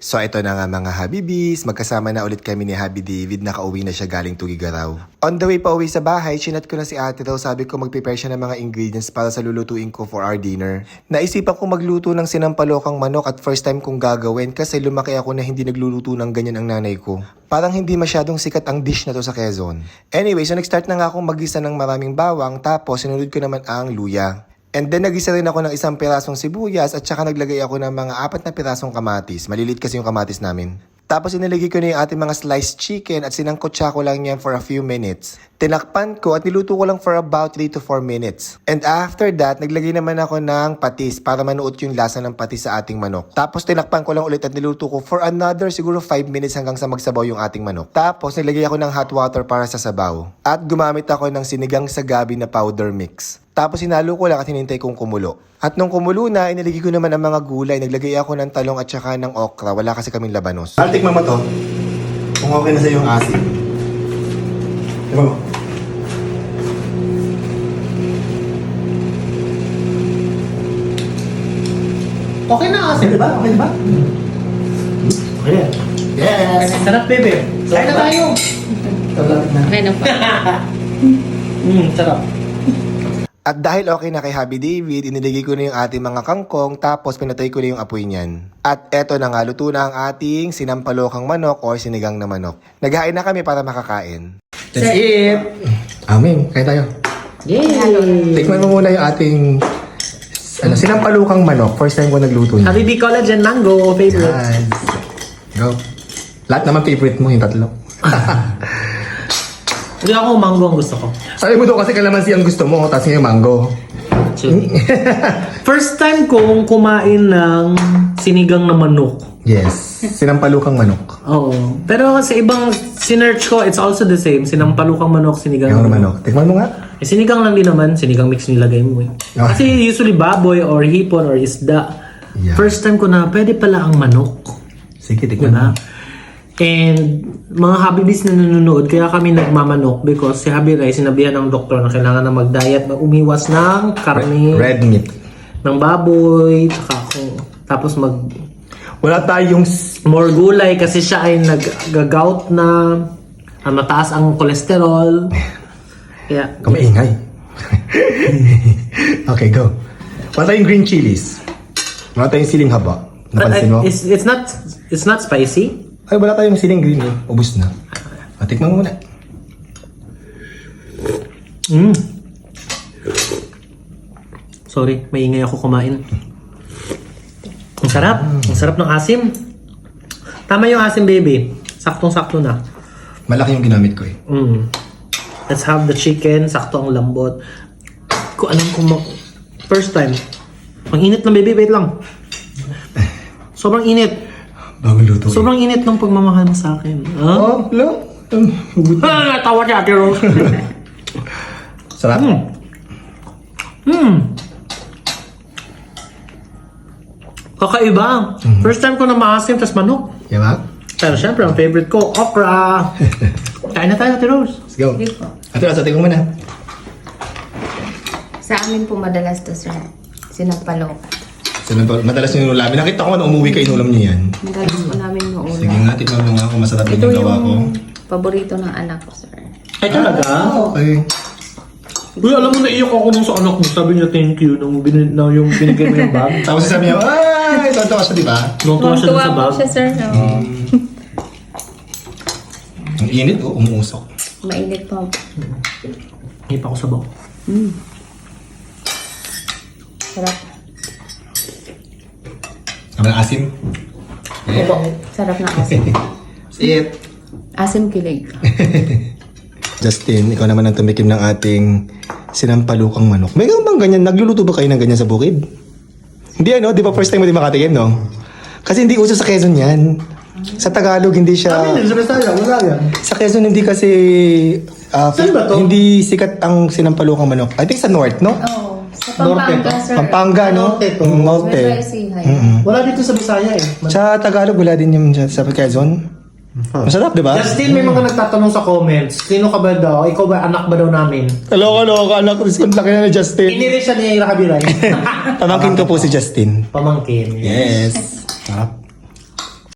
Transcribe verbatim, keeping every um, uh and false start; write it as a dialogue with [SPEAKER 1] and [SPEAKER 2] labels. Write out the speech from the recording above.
[SPEAKER 1] So ito na nga mga Habibis, magkasama na ulit kami ni Habi David, nakauwi na siya galing Tugigaraw. On the way pa uwi sa bahay, chinat ko na si ate daw, sabi ko mag-prepare siya ng mga ingredients para sa lulutuin ko for our dinner. Naisipan ko magluto ng sinampalokang manok at first time kong gagawin kasi lumaki ako na hindi nagluluto ng ganyan ang nanay ko. Parang hindi masyadong sikat ang dish na to sa Quezon. Anyway, so nag-start na nga akong mag-isa ng maraming bawang, tapos sinunod ko naman ang luya. And then nag-isa rin ako ng isang pirasong sibuyas at saka naglagay ako ng mga apat na pirasong kamatis. Malilit kasi yung kamatis namin. Tapos inilagay ko na yung ating mga sliced chicken at sinangkotsa ko lang yan for a few minutes. Tinakpan ko at niluto ko lang for about three to four minutes. And after that, naglagay naman ako ng patis para manuot yung lasa ng patis sa ating manok. Tapos tinakpan ko lang ulit at niluto ko for another siguro five minutes hanggang sa magsabaw yung ating manok. Tapos naglagay ako ng hot water para sa sabaw. At gumamit ako ng sinigang sa gabi na powder mix. Tapos hinalo ko lang at hinintay kong kumulo. At nung kumulo na, inilagay ko naman ang mga gulay. Naglagay ako ng talong at saka ng okra. Wala kasi kaming labanos. I'll tikman mo to. Kung okay na sa yung asin. Diba mo?
[SPEAKER 2] Okay na asin.
[SPEAKER 1] Okay ba? Okay ba?
[SPEAKER 2] Okay.
[SPEAKER 1] Yes!
[SPEAKER 2] Sarap, bebe. Kain na tayo.
[SPEAKER 1] Sarap na.
[SPEAKER 3] Okay na pa.
[SPEAKER 2] Hmm, sarap.
[SPEAKER 1] At dahil okay na kay Habi David, iniligay ko na yung ating mga kangkong tapos pinatay ko na yung apoy niyan. At eto na nga, luto na ang ating sinampalokang manok or sinigang na manok. Naghain na kami para makakain.
[SPEAKER 3] That's
[SPEAKER 1] it! Amin, kain tayo.
[SPEAKER 3] Yay!
[SPEAKER 1] Tikman mo muna yung ating ano, sinampalokang manok. First time ko nagluto niya.
[SPEAKER 2] Habibi Collagen Mango, favorite.
[SPEAKER 1] Yes. Go. Lahat naman favorite mo, yung tatlo.
[SPEAKER 2] Hindi ako mango ang gusto ko.
[SPEAKER 1] Sabi mo doon kasi kalamansi ang gusto mo, tapos yung mango.
[SPEAKER 2] First time kong kumain ng sinigang na manok.
[SPEAKER 1] Yes. Sinampalukang manok.
[SPEAKER 2] Oo. Pero sa ibang sinearch ko, it's also the same. Sinampalukang manok, sinigang
[SPEAKER 1] Yung
[SPEAKER 2] na manok.
[SPEAKER 1] manok. Tikman mo nga.
[SPEAKER 2] Eh, sinigang lang din naman. Sinigang mix nilagay mo eh.
[SPEAKER 1] Ah.
[SPEAKER 2] Kasi usually baboy or hipon or isda.
[SPEAKER 1] Yeah.
[SPEAKER 2] First time ko na pwede pala ang manok.
[SPEAKER 1] Sige, tikman
[SPEAKER 2] Diba?
[SPEAKER 1] mo.
[SPEAKER 2] And mga Habibis na nanonood, kaya kami nagmamanok because si Habi Rai, sinabihan ng doktor na kailangan na mag-diet, mag umiwas ng karne,
[SPEAKER 1] Red meat.
[SPEAKER 2] ng baboy, tsaka kung, tapos mag
[SPEAKER 1] Wala tayong... s-
[SPEAKER 2] more gulay kasi siya ay nag-gout na, ah, mataas ang kolesterol. Kaya,
[SPEAKER 1] Kamaingay. Okay, go. Wala tayong green chilies. Wala tayong siling haba.
[SPEAKER 2] but
[SPEAKER 1] Napansin mo?
[SPEAKER 2] I- it's, it's not it's not spicy.
[SPEAKER 1] Ay, wala tayong siling green eh. Ubus na. Ah, tikman mo muna.
[SPEAKER 2] Mm. Sorry, maingay ako kumain. Ang sarap. Ang sarap ng asim. Tama yung asim, baby. Saktong-sakto na.
[SPEAKER 1] Malaki yung ginamit ko eh.
[SPEAKER 2] Mm. Let's have the chicken. Sakto ang lambot. Ko alam kung ma- first time. Ang init ng baby. Wait lang. Sobrang init.
[SPEAKER 1] Bagong luto eh.
[SPEAKER 2] Sobrang init ng pagmamahal mo sa akin. Huh?
[SPEAKER 1] Oh, lo. Um,
[SPEAKER 2] Ah, natawa si Ate Rose.
[SPEAKER 1] Sarap.
[SPEAKER 2] Hmm. Hmm. Kakaiba. First time ko na maasim, tas manok.
[SPEAKER 1] Diba?
[SPEAKER 2] Pero syempre, ang favorite ko, okra. Kain na tayo, Ate Rose.
[SPEAKER 1] Let's go.
[SPEAKER 3] Sige po.
[SPEAKER 1] Ate, asa tingnan mo na.
[SPEAKER 3] Sa amin po madalas to, sir. Sinampalokan.
[SPEAKER 1] Sinantol, madalas yung ulam. Nakita ko na umuwi ka, inulam niyo yan.
[SPEAKER 3] Madalas po namin noon.
[SPEAKER 1] Sige nga, tikman mo nga kung masarap
[SPEAKER 3] Ito
[SPEAKER 1] yung gawa ko.
[SPEAKER 3] yung paborito ng anak ko, sir.
[SPEAKER 2] Ay, talaga?
[SPEAKER 1] Okay.
[SPEAKER 2] Uy, alam mo, naiyak ako nung sa anak mo. Sabi niya, thank you, nung, bin- na yung binigay mo yung bag.
[SPEAKER 1] Tapos sabi niya, ay, tonto ka siya, di ba?
[SPEAKER 2] Nung tuwa siya dun
[SPEAKER 3] Tuwa
[SPEAKER 2] sa
[SPEAKER 3] po
[SPEAKER 2] bag.
[SPEAKER 3] siya, sir. No?
[SPEAKER 1] Ang init, oh, umuusok.
[SPEAKER 3] Mainit po.
[SPEAKER 2] Hindi pa ako sabaw.
[SPEAKER 3] Mm. Sarap.
[SPEAKER 1] Sabi ng asim.
[SPEAKER 3] Opo. Sarap na asim.
[SPEAKER 1] See it.
[SPEAKER 3] Asim kilig.
[SPEAKER 1] Justin, ikaw naman ang tumikim ng ating sinampalukang manok. May bang ganyan? Nagluluto ba kayo ng ganyan sa bukid? Hindi ano, di ba first time mo di makatikim, no? Kasi hindi uso sa Quezon yan. Sa Tagalog, hindi siya...
[SPEAKER 2] sa Bisaya, wala yan.
[SPEAKER 1] Sa Quezon, hindi kasi... ah,
[SPEAKER 2] Saan ba to?
[SPEAKER 1] Hindi sikat ang sinampalukang manok. I think sa North, no?
[SPEAKER 3] Oo. Sa Pampanga, sir.
[SPEAKER 1] Pampanga, no?
[SPEAKER 2] Norte to.
[SPEAKER 1] Mm, Norte.
[SPEAKER 3] May Sihay.
[SPEAKER 1] Mm-mm.
[SPEAKER 2] Wala dito sa Bisaya eh.
[SPEAKER 1] Sa Tagalog, wala din yung sa Quezon. Masarap, di ba?
[SPEAKER 2] Justin, may mga nagtatanong sa comments, sino ka ba daw? Ikaw ba, anak ba daw namin?
[SPEAKER 1] Hello, hello, anak ko. Ang laki na ni Justin.
[SPEAKER 2] Pinili siya ni Ira Kabiray.
[SPEAKER 1] Pamangkin ko po si Justin.
[SPEAKER 2] Pamangkin.
[SPEAKER 1] Yes. Sarap.